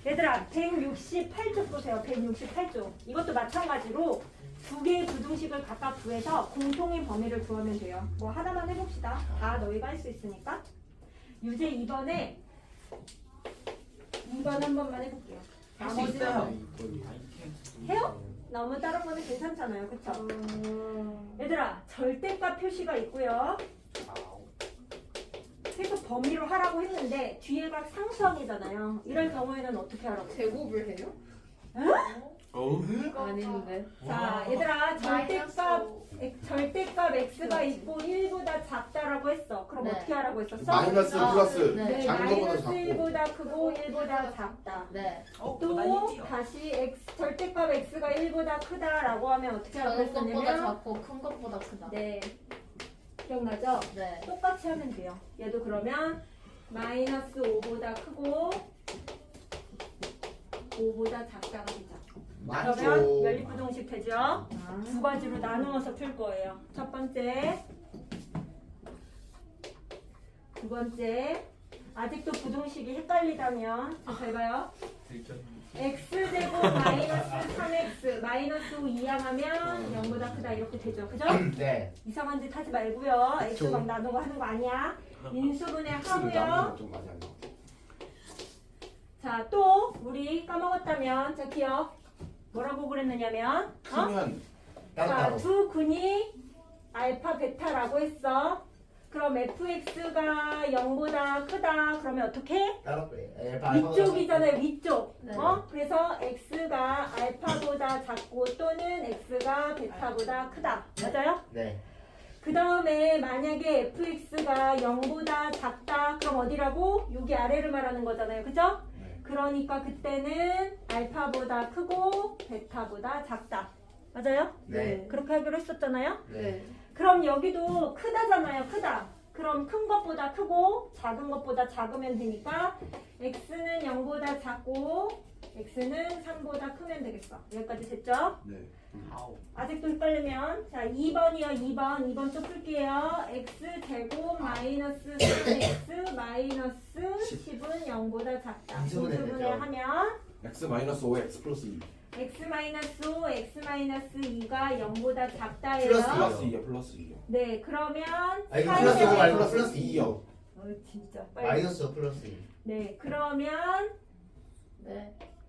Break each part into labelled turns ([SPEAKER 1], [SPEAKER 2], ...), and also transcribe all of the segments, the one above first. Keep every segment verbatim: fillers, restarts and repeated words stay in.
[SPEAKER 1] 얘들아 백육십팔 쪽 보세요. 백육십팔 쪽. 이것도 마찬가지로 두 개의 부등식을 각각 구해서 공통인 범위를 구하면 돼요. 뭐 하나만 해봅시다. 다 너희가 할 수 있으니까. 유제 이 번에 이 번 한 번만 해볼게요.
[SPEAKER 2] 할 수
[SPEAKER 1] 나머지는
[SPEAKER 2] 있어요.
[SPEAKER 1] 해요? 너무 다른 거는 괜찮잖아요. 그쵸? 얘들아 절대값 표시가 있고요. 그래서 범위로 하라고 했는데 뒤에가 상수항이잖아요. 이럴 경우에는 어떻게 하라고?
[SPEAKER 3] 제곱을 해요? 아닌데.
[SPEAKER 1] 자, 얘들아 절대값 엑- 절대값 x가 있고 일보다 작다라고 했어. 그럼
[SPEAKER 3] 네.
[SPEAKER 1] 어떻게 하라고 했었어?
[SPEAKER 4] 마이너스
[SPEAKER 3] 아,
[SPEAKER 4] 플러스
[SPEAKER 3] 네.
[SPEAKER 1] 네,
[SPEAKER 4] 작은 거보다
[SPEAKER 1] 마이너스
[SPEAKER 4] 작고
[SPEAKER 1] 일보다 크고 일보다 작다.
[SPEAKER 3] 네.
[SPEAKER 1] 또 다시 x 절대값 x가 일보다 크다라고 하면 어떻게 하라고
[SPEAKER 3] 작은 것보다
[SPEAKER 1] 했었냐면
[SPEAKER 3] 작고 큰 것보다 크다.
[SPEAKER 1] 네. 기억나죠?
[SPEAKER 3] 네.
[SPEAKER 1] 똑같이 하면 돼요. 얘도 그러면 마이너스 오보다 크고 오보다 작다가 되죠. 그러면
[SPEAKER 4] 맞죠.
[SPEAKER 1] 연립부등식 되죠? 두 가지로 나누어서 풀 거예요. 첫 번째, 두 번째. 아직도 부등식이 헷갈리다면 잘 봐요. x제곱 마이너스 삼 엑스 마이너스 오 이항하면 영보다 크다 이렇게 되죠. 그죠?
[SPEAKER 4] 네.
[SPEAKER 1] 이상한 짓 하지 말고요. x 막 나누고 하는 거 아니야. 인수분해 하고요.
[SPEAKER 4] 좀 많이 안 나와.
[SPEAKER 1] 자, 또 우리 까먹었다면 자 기억 뭐라고 그랬느냐면 어?
[SPEAKER 4] 크면
[SPEAKER 1] 자,
[SPEAKER 4] 따로따로.
[SPEAKER 1] 두 근이 알파 베타라고 했어. 그럼 fx가 영보다 크다. 그러면 어떻게?
[SPEAKER 4] 따로 빼. 에,
[SPEAKER 1] 위쪽이잖아요. 위쪽.
[SPEAKER 3] 네.
[SPEAKER 1] 어? 그래서 x가 알파보다 작고 또는 x가 베타보다 크다. 맞아요?
[SPEAKER 4] 네.
[SPEAKER 1] 그 다음에 만약에 fx가 영보다 작다. 그럼 어디라고? 여기 아래를 말하는 거잖아요. 그죠?
[SPEAKER 4] 네.
[SPEAKER 1] 그러니까 그때는 알파보다 크고 베타보다 작다. 맞아요?
[SPEAKER 4] 네.
[SPEAKER 1] 그렇게 하기로 했었잖아요.
[SPEAKER 3] 네.
[SPEAKER 1] 그럼 여기도 크다잖아요. 크다. 그럼 큰 것보다 크고 작은 것보다 작으면 되니까 x는 영보다 작고 x는 삼보다 크면 되겠어. 여기까지 됐죠?
[SPEAKER 4] 네.
[SPEAKER 1] 아직도 헷갈리면 자 이 번이요. 이 번. 이 번 좀 풀게요. x제곱 마이너스 삼 엑스 마이너스 십은 영보다 작다.
[SPEAKER 4] 인수분해
[SPEAKER 1] 인수분해
[SPEAKER 4] 되죠.
[SPEAKER 1] 하면
[SPEAKER 4] x 마이너스 오 x 플러스 이.
[SPEAKER 1] x 마이너스 오, x 마이너스 이가 영보다 작다예요.
[SPEAKER 4] 플러스
[SPEAKER 5] 플러스 이요 플러스 이요.
[SPEAKER 1] 네, 그러면
[SPEAKER 4] 아 이거
[SPEAKER 1] 사이-
[SPEAKER 4] 플러스 오 말고 플러스 이요.
[SPEAKER 1] 어, 진짜 빨리.
[SPEAKER 4] 마이너스 플러스 이.
[SPEAKER 1] 네, 그러면
[SPEAKER 3] 네.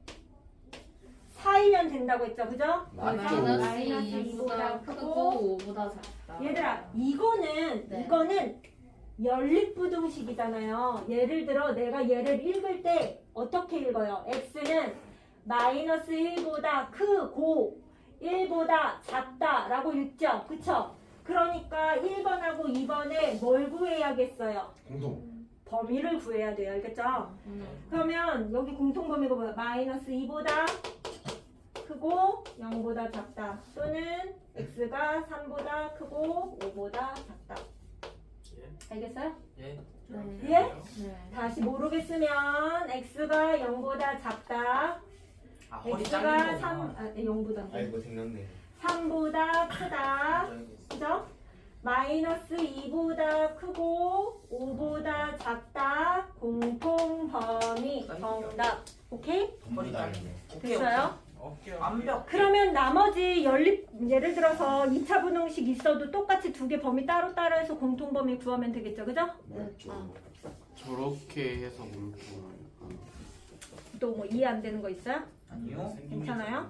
[SPEAKER 1] 사이면 된다고 했죠, 그죠?
[SPEAKER 4] 맞죠.
[SPEAKER 1] 마이너스
[SPEAKER 3] 마이너스
[SPEAKER 1] 이보다
[SPEAKER 3] 이보다
[SPEAKER 1] 크고.
[SPEAKER 3] 크고 오보다 작다.
[SPEAKER 1] 얘들아, 이거는
[SPEAKER 3] 네.
[SPEAKER 1] 이거는 연립부등식이잖아요. 예를 들어 내가 얘를 읽을 때 어떻게 읽어요? x는 마이너스 일보다 크고 일보다 작다라고 읽죠, 그쵸? 그러니까 일 번하고 이 번에 뭘 구해야겠어요?
[SPEAKER 4] 공통.
[SPEAKER 1] 범위를 구해야 돼요, 알겠죠?
[SPEAKER 3] 음.
[SPEAKER 1] 그러면 여기 공통범위가 뭐야? 마이너스 이보다 크고 영보다 작다. 또는 x가 삼보다 크고 오보다 작다. 알겠어요?
[SPEAKER 2] 예.
[SPEAKER 3] 네.
[SPEAKER 1] 예?
[SPEAKER 3] 네.
[SPEAKER 1] 다시 모르겠으면 x가 영보다 작다.
[SPEAKER 2] 아 허리
[SPEAKER 1] x가
[SPEAKER 2] 잘린
[SPEAKER 1] 삼,
[SPEAKER 2] 거구나.
[SPEAKER 1] 아, 영보다
[SPEAKER 4] 아이고 생겼네.
[SPEAKER 1] 삼보다 크다. 그죠? 마이너스 이보다 크고 오보다 작다. 공통 범위 정답. 오케이?
[SPEAKER 2] 허리 잘리네.
[SPEAKER 1] 됐어요?
[SPEAKER 2] 오케이. 완벽.
[SPEAKER 1] 그러면 나머지 연립 예를 들어서 이 차 분홍식 있어도 똑같이 두 개 범위 따로따로 해서 공통 범위 구하면 되겠죠. 그죠?
[SPEAKER 4] 맞죠.
[SPEAKER 3] 아.
[SPEAKER 5] 저렇게 해서 물고
[SPEAKER 1] 또 뭐 이해 안 되는 거 있어요?
[SPEAKER 2] 아니요.
[SPEAKER 1] 괜찮아요?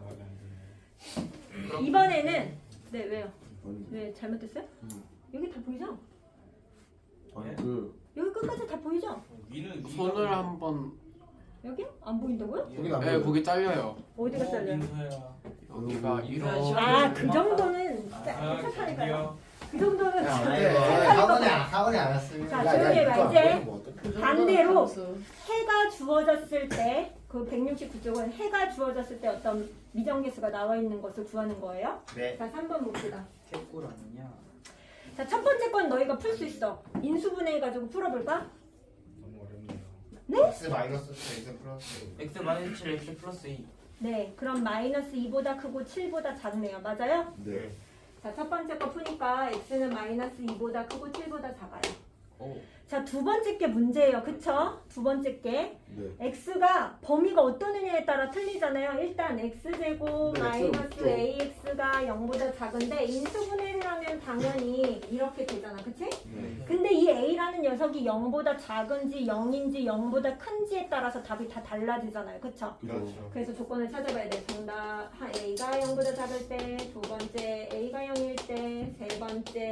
[SPEAKER 1] 이번에는 네 왜요? 왜 잘못됐어요?
[SPEAKER 5] 음.
[SPEAKER 1] 여기 다 보이죠?
[SPEAKER 5] 아니 그
[SPEAKER 1] 여기 끝까지 다 보이죠?
[SPEAKER 2] 위는
[SPEAKER 5] 손을 한번
[SPEAKER 1] 여기? 안 보인다고요?
[SPEAKER 4] 거긴 안
[SPEAKER 5] 네
[SPEAKER 4] 보여요.
[SPEAKER 5] 거기 잘려요.
[SPEAKER 1] 어디가 잘려요?
[SPEAKER 5] 여기가 이런
[SPEAKER 1] 아 그 정도는 진짜 착하니까요. 그 정도는
[SPEAKER 4] 야,
[SPEAKER 1] 진짜
[SPEAKER 4] 네.
[SPEAKER 1] 착하니까.
[SPEAKER 4] 학원에 안 왔으면.
[SPEAKER 1] 자, 조용히 해봐, 이제.
[SPEAKER 3] 그 정도는
[SPEAKER 1] 반대로.
[SPEAKER 3] 감수.
[SPEAKER 1] 해가 주어졌을 때 그 백육십구 쪽은 해가 주어졌을 때 어떤 미정계수가 나와 있는 것을 구하는 거예요.
[SPEAKER 4] 네.
[SPEAKER 1] 자, 삼 번 봅시다.
[SPEAKER 2] 개꿀 아니냐?
[SPEAKER 1] 자, 첫 번째 건 너희가 풀 수 있어. 인수분해 해가지고 풀어볼까?
[SPEAKER 4] 너무 어렵네요.
[SPEAKER 1] 네?
[SPEAKER 4] x 마이너스 x 플러스.
[SPEAKER 2] x 마이너스 칠 x 플러스 이.
[SPEAKER 1] 네, 그럼 마이너스 이보다 크고 칠보다 작네요. 맞아요?
[SPEAKER 4] 네.
[SPEAKER 1] 자, 첫 번째 거 푸니까 x는 마이너스 이보다 크고 칠보다 작아요.
[SPEAKER 2] 오.
[SPEAKER 1] 자, 두 번째 게 문제예요. 그쵸? 두 번째 게.
[SPEAKER 6] 네.
[SPEAKER 1] x가 범위가 어떤 의미에 따라 틀리잖아요. 일단 x제곱
[SPEAKER 6] 네,
[SPEAKER 1] 마이너스
[SPEAKER 6] 없죠.
[SPEAKER 1] ax가 영보다 작은데 인수분해를 하면 당연히 이렇게 되잖아. 그치?
[SPEAKER 6] 네.
[SPEAKER 1] 근데 이 a라는 녀석이 영보다 작은지 영인지 영보다 큰지에 따라서 답이 다 달라지잖아요. 그쵸?
[SPEAKER 4] 그렇죠.
[SPEAKER 1] 그래서 조건을 찾아봐야 돼. 정답 한 a가 영보다 작을 때, 두 번째 a가 영일 때, 세 번째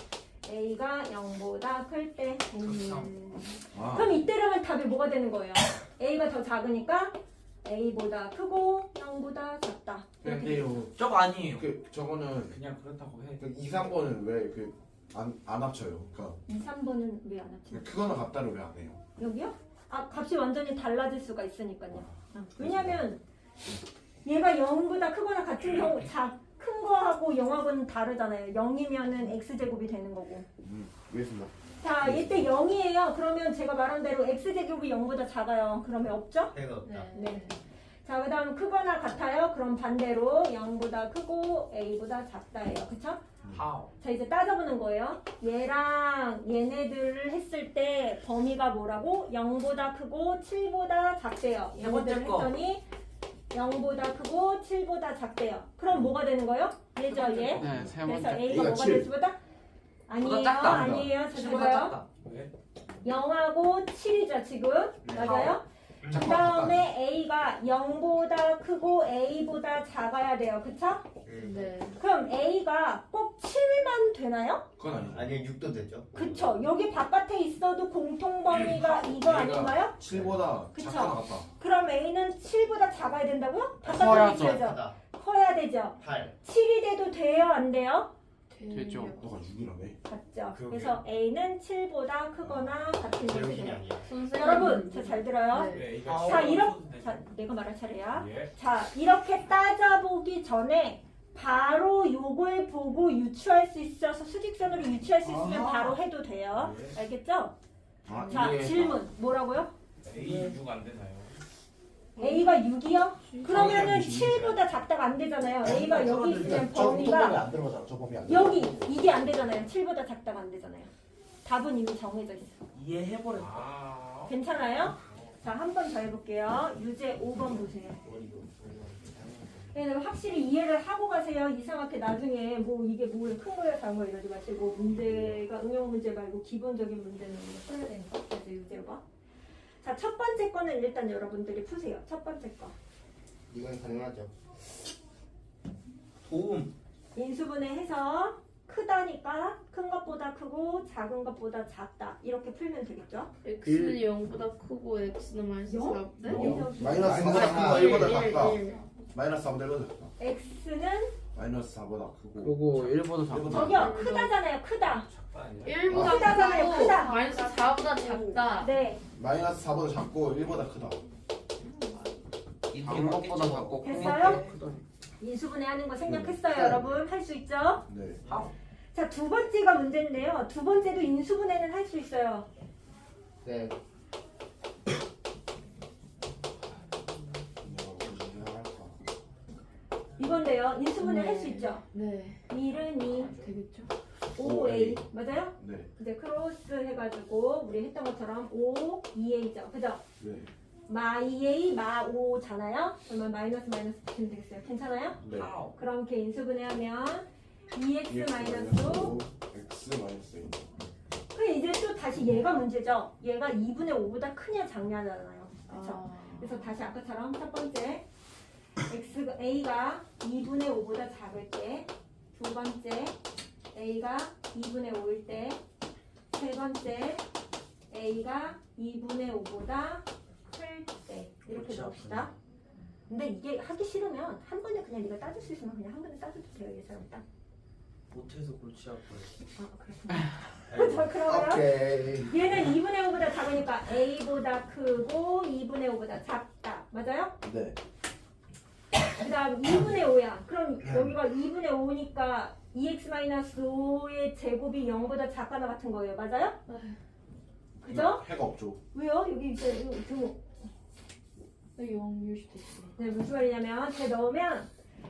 [SPEAKER 1] a가 영보다 클 때. 음.
[SPEAKER 6] 아.
[SPEAKER 1] 그럼 이때라면 답이 뭐가 되는 거예요? a가 더 작으니까 a보다 크고 영보다 작다. 이렇게 되죠.
[SPEAKER 6] 근데요.
[SPEAKER 2] 저거 아니에요.
[SPEAKER 6] 그 저거는
[SPEAKER 2] 그냥 그렇다고 해.
[SPEAKER 6] 그 이, 삼 번은 왜 그 안 안 합쳐요? 그러니까
[SPEAKER 1] 이, 삼 번은 왜 안 합치나?
[SPEAKER 6] 그거는 같다를 왜 안 해요?
[SPEAKER 1] 여기요? 아, 값이 완전히 달라질 수가 있으니까요. 어, 왜냐면 얘가 영보다 크거나 같은 경우 자, 큰 거하고 영하고는 다르잖아요. 영이면은 x제곱이 되는 거고.
[SPEAKER 6] 음, 알겠습니다.
[SPEAKER 1] 자, 이때 영이에요. 그러면 제가 말한 대로 x제곱이 영보다 작아요. 그러면 없죠?
[SPEAKER 4] 해가 없다.
[SPEAKER 3] 네.
[SPEAKER 1] 네. 자, 그 다음 크거나 같아요. 그럼 반대로 영보다 크고 a보다 작다예요. 그쵸?
[SPEAKER 2] How?
[SPEAKER 1] 자, 이제 따져보는 거예요. 얘랑 얘네들을 했을 때 범위가 뭐라고? 영보다 크고 칠보다 작대요.
[SPEAKER 2] 세 번째
[SPEAKER 1] 얘네들을
[SPEAKER 2] 거.
[SPEAKER 1] 했더니 영보다 크고 칠보다 작대요. 그럼 뭐가 되는 거예요? 얘죠, 얘.
[SPEAKER 5] 네, 세
[SPEAKER 1] 그래서
[SPEAKER 5] 번째.
[SPEAKER 1] a가
[SPEAKER 6] A가
[SPEAKER 1] 뭐가
[SPEAKER 6] 칠.
[SPEAKER 1] 될 수보다? 아니에요,
[SPEAKER 2] 보다 작다.
[SPEAKER 1] 아니에요.
[SPEAKER 2] 칠보다
[SPEAKER 1] 찾아봐요.
[SPEAKER 2] 작다.
[SPEAKER 4] 왜?
[SPEAKER 1] 영하고 칠이죠, 지금.
[SPEAKER 4] 네.
[SPEAKER 1] 맞아요? 그 다음에 a가 영보다 크고 a보다 작아야 돼요. 그쵸?
[SPEAKER 3] 네.
[SPEAKER 1] 그럼 a가 꼭 칠만 되나요?
[SPEAKER 6] 그건 아니죠.
[SPEAKER 4] 아니 육도 되죠.
[SPEAKER 1] 그쵸. 여기 바깥에 있어도 공통 범위가 이거 아닌가요?
[SPEAKER 6] 칠보다
[SPEAKER 1] 그쵸.
[SPEAKER 6] 작거나 같다.
[SPEAKER 1] 그럼 a는 칠보다 작아야 된다고요? 바깥에
[SPEAKER 5] 커야죠.
[SPEAKER 1] 있어야죠.
[SPEAKER 4] 하다.
[SPEAKER 1] 커야 되죠.
[SPEAKER 4] 팔.
[SPEAKER 1] 칠이 돼도 돼요? 안 돼요?
[SPEAKER 5] 되죠.
[SPEAKER 6] 너가 육이라며.
[SPEAKER 1] 같죠.
[SPEAKER 4] 그러게요.
[SPEAKER 1] 그래서 a는 칠보다 크거나 같은 것이
[SPEAKER 4] 제로신이
[SPEAKER 1] 돼요.
[SPEAKER 4] 아니야.
[SPEAKER 3] 선생님.
[SPEAKER 1] 여러분, 저 잘 들어요?
[SPEAKER 3] 네.
[SPEAKER 7] 네,
[SPEAKER 2] 아,
[SPEAKER 7] 이거
[SPEAKER 1] 자,
[SPEAKER 2] 어,
[SPEAKER 1] 이렇게
[SPEAKER 2] 써도 되죠.
[SPEAKER 1] 자, 내가 말할 차례야.
[SPEAKER 7] 예.
[SPEAKER 1] 자, 이렇게 따져보기 전에 바로 요걸 보고 유추할 수 있어서 수직선으로 유추할 수 있으면
[SPEAKER 2] 아.
[SPEAKER 1] 바로 해도 돼요.
[SPEAKER 7] 예.
[SPEAKER 1] 알겠죠?
[SPEAKER 6] 아,
[SPEAKER 1] 자,
[SPEAKER 6] 이게
[SPEAKER 1] 질문. 뭐라고요?
[SPEAKER 7] A 육 안 되나요?
[SPEAKER 1] a가 육이요? 그러면은
[SPEAKER 6] 육이요.
[SPEAKER 1] 칠보다 작다가 안 되잖아요. a가 여기 있으면
[SPEAKER 6] 저 범위
[SPEAKER 1] 범위가
[SPEAKER 6] 안 들어가잖아. 저 범위 안
[SPEAKER 1] 여기 이게 안 되잖아요. 칠보다 작다가 안 되잖아요. 답은 이미 정해져 있어.
[SPEAKER 2] 이해해버렸다.
[SPEAKER 7] 아.
[SPEAKER 1] 괜찮아요? 자, 한 번 더 해볼게요. 유제 오 번 보세요. 네, 확실히 이해를 하고 가세요. 이상하게 나중에 뭐 이게 뭐예요, 큰 거야, 작은 거야 이러지 마시고 문제가 응용 문제 말고 기본적인 문제는 풀어야 되니까. 그래서 유제 봐. 자, 첫 번째 거는 일단 여러분들이 푸세요. 첫 번째 거.
[SPEAKER 4] 이건 가능하죠.
[SPEAKER 2] 도움.
[SPEAKER 1] 인수분해해서 크다니까 큰 것보다 크고 작은 것보다 작다. 이렇게 풀면 되겠죠?
[SPEAKER 3] x는 영보다 크고 x는 마이너스
[SPEAKER 1] 영?
[SPEAKER 3] 사. 네?
[SPEAKER 1] 영?
[SPEAKER 6] 어? 마이너스 사보다
[SPEAKER 4] 마이너스
[SPEAKER 6] 크고 일보다
[SPEAKER 3] 일,
[SPEAKER 6] 작다.
[SPEAKER 3] 일.
[SPEAKER 6] 마이너스 사보다 일보다 작다.
[SPEAKER 1] x는
[SPEAKER 6] 마이너스 사보다 크고.
[SPEAKER 5] 그리고 일보다 작다.
[SPEAKER 6] 일보다
[SPEAKER 1] 저기요, 크다잖아요. 크다.
[SPEAKER 7] 작다 아니야?
[SPEAKER 3] 일보다
[SPEAKER 1] 크다잖아요,
[SPEAKER 3] 크고
[SPEAKER 1] 크다.
[SPEAKER 3] 마이너스 사보다 작다.
[SPEAKER 1] 네.
[SPEAKER 6] 마이너스 사보다 작고 일보다 크다.
[SPEAKER 5] 작은 것보다 작고 큰
[SPEAKER 1] 됐어요?
[SPEAKER 5] 것보다 크다.
[SPEAKER 1] 인수분해하는 거 생략했어요,
[SPEAKER 6] 네.
[SPEAKER 1] 여러분. 할 수 있죠?
[SPEAKER 6] 네.
[SPEAKER 1] 자, 두 번째가 문제인데요. 두 번째도 인수분해는 할 수 있어요.
[SPEAKER 4] 네.
[SPEAKER 1] 이건데요. 인수분해
[SPEAKER 3] 네.
[SPEAKER 1] 할 수 있죠?
[SPEAKER 3] 네.
[SPEAKER 1] 일은 이,
[SPEAKER 3] 되겠죠?
[SPEAKER 1] 오 에이. 맞아요?
[SPEAKER 6] 네.
[SPEAKER 1] 이제 크로스 해가지고 우리 했던 것처럼 오, 이 에이죠. 그죠?
[SPEAKER 6] 네.
[SPEAKER 1] 마 이 에이, 마 오잖아요. 그러면 마이너스 마이너스 붙이면 되겠어요. 괜찮아요?
[SPEAKER 6] 네.
[SPEAKER 2] How?
[SPEAKER 1] 그럼 이렇게 인수분해하면 이 엑스
[SPEAKER 6] EX
[SPEAKER 1] 마이너스
[SPEAKER 6] 오, X 마이너스 일.
[SPEAKER 1] 그럼 이제 또 다시 얘가 문제죠. 얘가 이분의 오보다 크냐 작냐잖아요. 그렇죠?
[SPEAKER 3] 아.
[SPEAKER 1] 그래서 다시 아까처럼 첫 번째 x a가 이분의 오보다 작을 때, 두 번째 a가 이분의 오일 때, 세 번째 a가 이분의 오보다 클 때 이렇게
[SPEAKER 2] 그렇죠.
[SPEAKER 1] 봅시다. 근데 이게 하기 싫으면 한 번에 그냥 네가 따질 수 있으면 그냥 한 번에 따져도 돼요. 얘처럼 딱.
[SPEAKER 2] 못해서 골치 아파요.
[SPEAKER 1] 아, 그렇구나. 자, 그러면
[SPEAKER 6] 오케이.
[SPEAKER 1] 얘는 이분의 오보다 작으니까 a보다 크고 이분의 오보다 작다. 맞아요?
[SPEAKER 6] 네.
[SPEAKER 1] 그 다음 이분의 오야. 그럼 여기가 이분의 오니까 이 엑스 마이너스 오의 제곱이 영보다 작거나 같은 거예요. 맞아요? 그죠?
[SPEAKER 6] 해가 없죠.
[SPEAKER 1] 왜요? 여기 이제 이거 등
[SPEAKER 3] 영일 수도 있어.
[SPEAKER 1] 네, 무슨 말이냐면 제 넣으면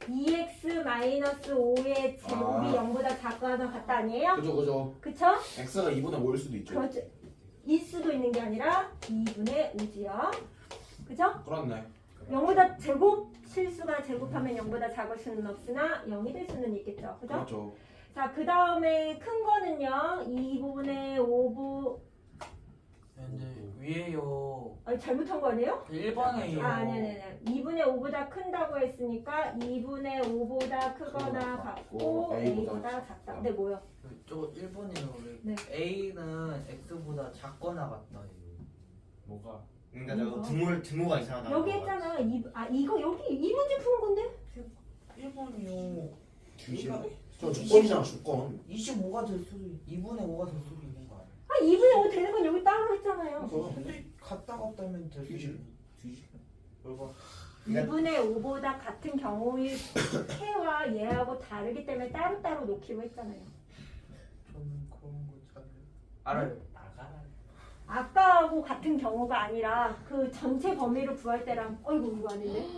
[SPEAKER 1] 이 엑스 마이너스 오의 제곱이
[SPEAKER 6] 아.
[SPEAKER 1] 영보다 작거나 같다 아니에요?
[SPEAKER 6] 그죠 그죠.
[SPEAKER 1] 그쵸?
[SPEAKER 6] x가 이분의 오일 수도 있죠.
[SPEAKER 1] 그렇죠. 일 수도 있는 게 아니라 이분의 오지요. 그죠?
[SPEAKER 6] 그렇네.
[SPEAKER 1] 영보다 제곱 실수가 제곱하면 영보다 작을 수는 없으나 영이 될 수는 있겠죠. 그죠?
[SPEAKER 6] 그렇죠.
[SPEAKER 1] 자, 그 다음에 큰 거는요. 이분의 오분
[SPEAKER 2] 근데 위에요.
[SPEAKER 1] 아니 잘못한 거 아니에요?
[SPEAKER 2] 일 번에요.
[SPEAKER 1] 아, 아니, 아니, 아니. 이분의 오보다 큰다고 했으니까 이분의 오보다 크거나
[SPEAKER 6] 크거나
[SPEAKER 1] 같고
[SPEAKER 6] 같고
[SPEAKER 1] A보다
[SPEAKER 6] A보다
[SPEAKER 1] 작다.
[SPEAKER 6] 작다.
[SPEAKER 1] 근데 뭐요?
[SPEAKER 2] 저거 일 번이에요.
[SPEAKER 1] 네.
[SPEAKER 2] A는 X보다 작거나 같다.
[SPEAKER 7] 뭐가?
[SPEAKER 4] 그러니까 저거
[SPEAKER 1] 이거?
[SPEAKER 4] 등호 등호가 이상하다.
[SPEAKER 1] 여기 했잖아. 이, 아, 이거 여기 이 문제 푸는 건데?
[SPEAKER 2] 일 번이요.
[SPEAKER 6] 이십. 저 주권이잖아 주권.
[SPEAKER 2] 이십오가 될 수도 있, 이분의 오가 될 수도 있는 거 아니야?
[SPEAKER 1] 아, 이분의 오 되는 건 여기 따로 했잖아요.
[SPEAKER 6] 그래서
[SPEAKER 2] 근데 갔다 갔다 하면 될 수도
[SPEAKER 6] 뒤집.
[SPEAKER 2] 있는. 뒤집. 얼마?
[SPEAKER 1] 이분의 오보다 같은 경우의 해와 얘하고 다르기 때문에 따로따로 놓기로 했잖아요.
[SPEAKER 2] 저는 그런 거 잘 알아요.
[SPEAKER 7] 나가라.
[SPEAKER 1] 아까하고 같은 경우가 아니라 그 전체 범위를 구할 때랑 어이구 이거 아닌데?